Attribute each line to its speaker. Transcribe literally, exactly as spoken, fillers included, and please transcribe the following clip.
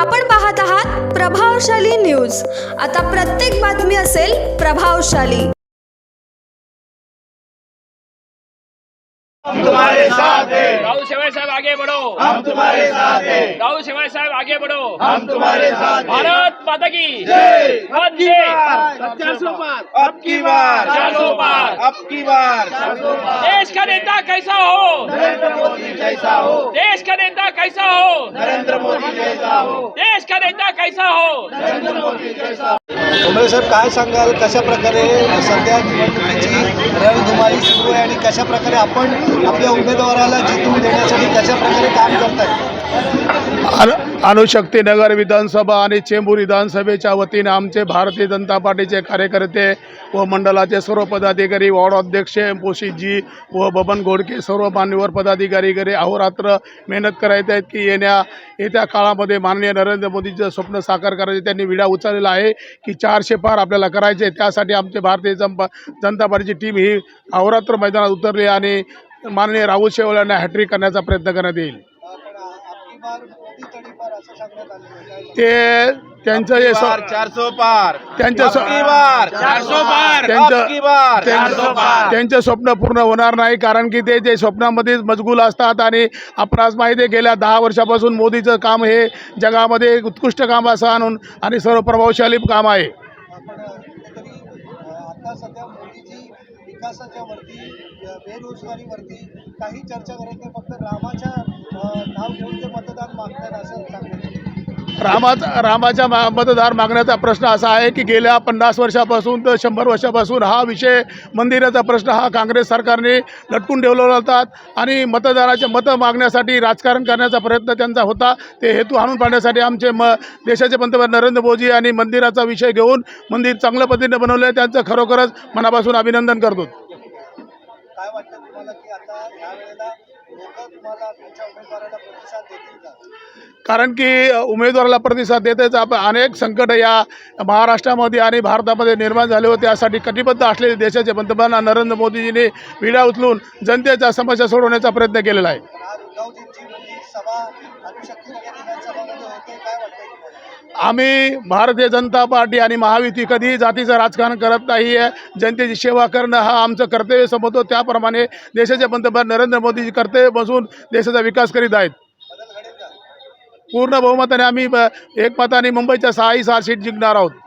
Speaker 1: आपण पाहत आहात प्रभावशाली न्यूज। आता प्रत्येक बातमी असेल प्रभावशाली।
Speaker 2: हम तुम्हारे साथ हैं।
Speaker 3: राहुल शेवाळे साहब आगे बढ़ो।
Speaker 2: हम तुम्हारे साथ हैं।
Speaker 3: राहुल शेवाळे साहब आगे बढ़ो।
Speaker 2: हम तुम्हारे साथ हैं।
Speaker 3: भारत माता की
Speaker 2: जय।
Speaker 3: वंदे
Speaker 2: चार सौ पार अब की बार,
Speaker 3: चार सौ पार
Speaker 2: अब की बार।
Speaker 3: देश का नेता कैसा हो,
Speaker 2: नरेंद्र मोदी जैसा हो,
Speaker 3: देश का नेता कैसा हो,
Speaker 2: नरेंद्र मोदी जैसा हो,
Speaker 3: देश का नेता कैसा हो।
Speaker 2: नरेंद्र मोदी जैसा हो।
Speaker 4: उमेश साहेब, काय सांगाल, कशा प्रकारे सध्या निवडणुकीची रणधुमाळी सुरू आहे आणि कशा प्रकारे आपण आपल्या उमेदवाराला जिंकून देण्यासाठी कशा प्रकारे काम करताय?
Speaker 5: अणुशक्ती नगर विधानसभा आणि चेंबूर विधानसभेच्या वतीने आमचे भारतीय जनता पार्टीचे कार्यकर्ते व मंडळाचे सर्व पदाधिकारी, वॉर्ड अध्यक्ष पोशीजी व बबन घोडके, सर्व मान्यवर पदाधिकारी घरी अहोरात्र मेहनत करायचे आहेत की येण्या येत्या काळामध्ये माननीय नरेंद्र मोदीचं स्वप्न साकार करायचे। त्यांनी विडा उचललेला आहे की चारशे पार आपल्याला करायचे। त्यासाठी आमचे भारतीय जनता पार्टीची टीम ही अहोरात्र मैदानात उतरली आणि माननीय राहुल शेवाळे यांना हॅट्रिक करण्याचा प्रयत्न करण्यात येईल। ते त्यांचं जे
Speaker 2: चार सौ पार
Speaker 5: त्यांचं
Speaker 2: अब की बार, चार सौ पार अब की बार, चार सौ पार।
Speaker 5: त्यांचं स्वप्न पूर्ण होणार नाही, कारण की ते जे स्वप्नामध्ये मशगूल असतात आणि आपणास माहिती आहे गेल्या दहा वर्षापासून मोदीचं काम हे जगामध्ये एक उत्कृष्ट काम असं आणून आणि सर्व प्रभावशाली काम आहे।
Speaker 4: आता सध्या मोदीजी विकासाच्या वरती, बेरोजगारीवरती काही चर्चा करत नाही, फक्त रामाच्या नाव घेऊन ते मतदान मागतात असं सांगतात।
Speaker 5: रामाचा रामाच्या मा मतदार मागण्याचा प्रश्न असा आहे की गेल्या पन्नास वर्षापासून तर शंभर वर्षापासून हा विषय मंदिराचा प्रश्न हा काँग्रेस सरकारने लटकून ठेवलेला होता आणि मतदाराचे मतं मागण्यासाठी राजकारण करण्याचा प्रयत्न त्यांचा होता। ते हेतू आणून पाडण्यासाठी आमचे म देशाचे पंतप्रधान नरेंद्र मोदी आणि मंदिराचा विषय घेऊन मंदिर चांगल्या पद्धतीने बनवलं आहे, त्यांचं खरोखरच मनापासून अभिनंदन करतो।
Speaker 4: काय वाटतं तुम्हाला की आता ह्या वेळेला लोक तुम्हाला तुमच्या उमेदवाराला प्रतिसाद देतील का?
Speaker 5: कारण की उमेदवाराला प्रतिसाद देतेच आपण अनेक संकट या महाराष्ट्रामध्ये आणि भारतामध्ये निर्माण झाले होते। त्यासाठी कटिबद्ध असलेले देशाचे पंतप्रधान नरेंद्र मोदीजींनी विडा उचलून जनतेच्या समस्या सोडवण्याचा प्रयत्न केलेला आहे।
Speaker 4: आज उद्धवजींची मोठी सभा अणुशक्ती नगर विधानसभामध्ये होते, काय वाटतं तुम्हाला?
Speaker 5: आम्ही भारतीय जनता पार्टी आणि महायुती कधीही जातीचं राजकारण करत नाही आहे। जनतेची सेवा करणं हा आमचं कर्तव्य समजतो, त्याप्रमाणे देशाचे पंतप्रधान नरेंद्र मोदीजी कर्तव्य बसून देशाचा विकास करीत आहेत। पूर्ण बहुमताने आम्ही एक मताने मुंबईच्या सहाही सहा सीट जिंकणार आहोत।